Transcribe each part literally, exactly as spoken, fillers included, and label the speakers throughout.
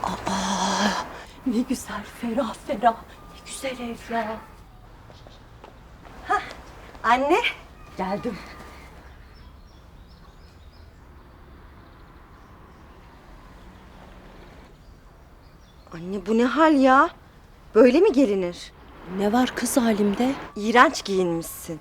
Speaker 1: Aa, ne güzel, ferah ferah. Ne güzel ev ya.
Speaker 2: Hah, anne.
Speaker 1: Geldim.
Speaker 2: Anne bu ne hal ya? Böyle mi gelinir?
Speaker 1: Ne var kız halimde?
Speaker 2: İğrenç giyinmişsin.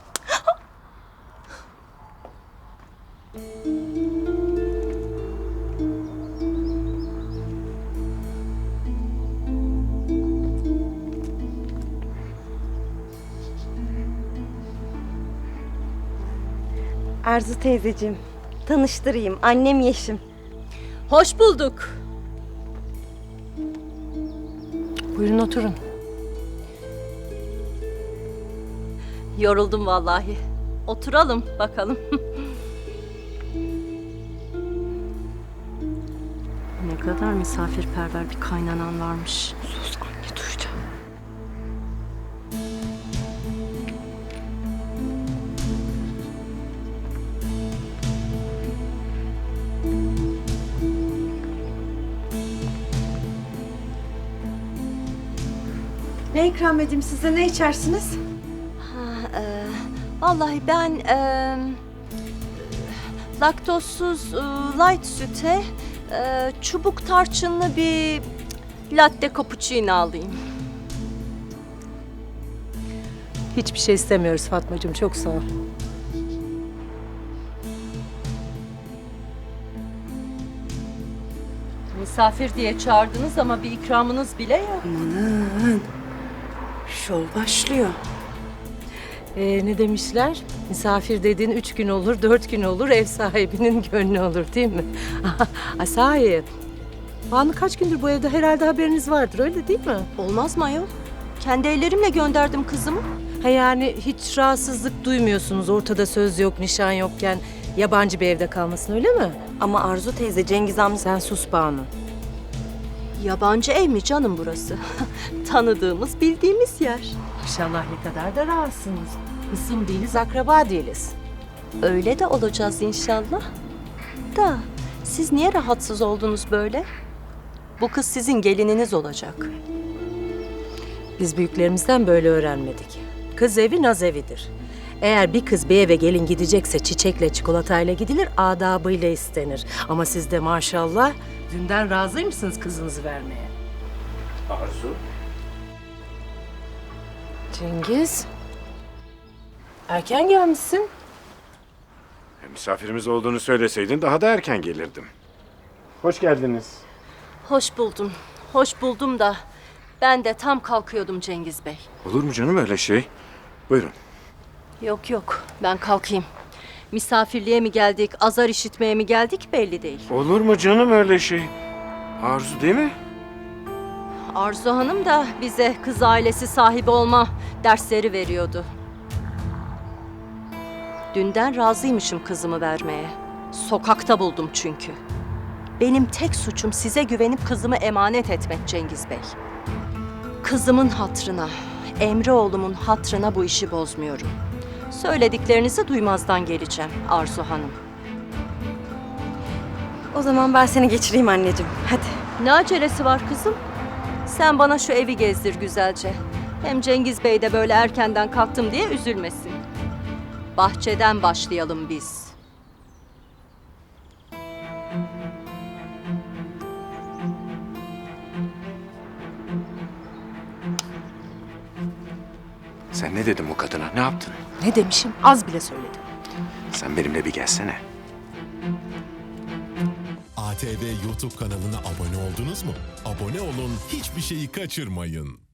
Speaker 2: Arzu teyzeciğim, tanıştırayım. Annem Yeşim.
Speaker 1: Hoş bulduk. Buyurun oturun. Yoruldum vallahi. Oturalım bakalım. Ne kadar misafirperver bir kaynanan varmış.
Speaker 2: Sus anne, duyacağım. Ne ikram edeyim size? Ne içersiniz?
Speaker 1: Ha, e, vallahi ben e, laktozsuz e, light süte e, çubuk tarçınlı bir latte cappuccino alayım.
Speaker 3: Hiçbir şey istemiyoruz Fatmacığım, çok sağ ol.
Speaker 1: Misafir diye çağırdınız ama bir ikramınız bile yok.
Speaker 2: Amanın. Şov başlıyor.
Speaker 3: Ee, ne demişler? Misafir dediğin üç gün olur, dört gün olur, ev sahibinin gönlü olur değil mi? Ay, sahi. Banu kaç gündür bu evde, herhalde haberiniz vardır, öyle değil mi?
Speaker 1: Olmaz mı ayol? Kendi ellerimle gönderdim kızımı.
Speaker 3: Ha yani hiç rahatsızlık duymuyorsunuz, ortada söz yok, nişan yokken yabancı bir evde kalmasın, öyle mi?
Speaker 2: Ama Arzu teyze, Cengiz amca...
Speaker 3: Sen sus Banu.
Speaker 1: Yabancı ev mi canım burası? Tanıdığımız, bildiğimiz yer.
Speaker 3: İnşallah ne kadar da rahatsınız. Kısım değiliz, akraba değiliz.
Speaker 1: Öyle de olacağız inşallah. Da siz niye rahatsız oldunuz böyle? Bu kız sizin gelininiz olacak.
Speaker 3: Biz büyüklerimizden böyle öğrenmedik. Kız evi naz evidir. Eğer bir kız bir eve gelin gidecekse çiçekle çikolatayla gidilir, adabıyla istenir. Ama siz de maşallah dünden razıymışsınız kızınızı vermeye.
Speaker 4: Arzu.
Speaker 3: Cengiz, erken gelmişsin.
Speaker 4: E, misafirimiz olduğunu söyleseydin daha da erken gelirdim. Hoş geldiniz.
Speaker 1: Hoş buldum. Hoş buldum da ben de tam kalkıyordum Cengiz Bey.
Speaker 4: Olur mu canım öyle şey? Buyurun.
Speaker 1: Yok yok, ben kalkayım. Misafirliğe mi geldik, azar işitmeye mi geldik belli değil.
Speaker 4: Olur mu canım öyle şey? Arzu değil mi?
Speaker 1: Arzu Hanım da bize kız ailesi sahibi olma dersleri veriyordu. Dünden razıymışım kızımı vermeye. Sokakta buldum çünkü. Benim tek suçum size güvenip kızımı emanet etmek Cengiz Bey. Kızımın hatrına, Emre oğlumun hatrına bu işi bozmuyorum. Söylediklerinizi duymazdan geleceğim Arzu Hanım.
Speaker 2: O zaman ben seni geçireyim anneciğim. Hadi.
Speaker 1: Ne acelesi var kızım? Sen bana şu evi gezdir güzelce. Hem Cengiz Bey de böyle erkenden kalktım diye üzülmesin. Bahçeden başlayalım biz.
Speaker 4: Sen ne dedin bu kadına? Ne yaptın?
Speaker 3: Ne demişim? Az bile söyledim.
Speaker 4: Sen benimle bir gelsene.
Speaker 5: A T V YouTube kanalına abone oldunuz mu? Abone olun, hiçbir şeyi kaçırmayın.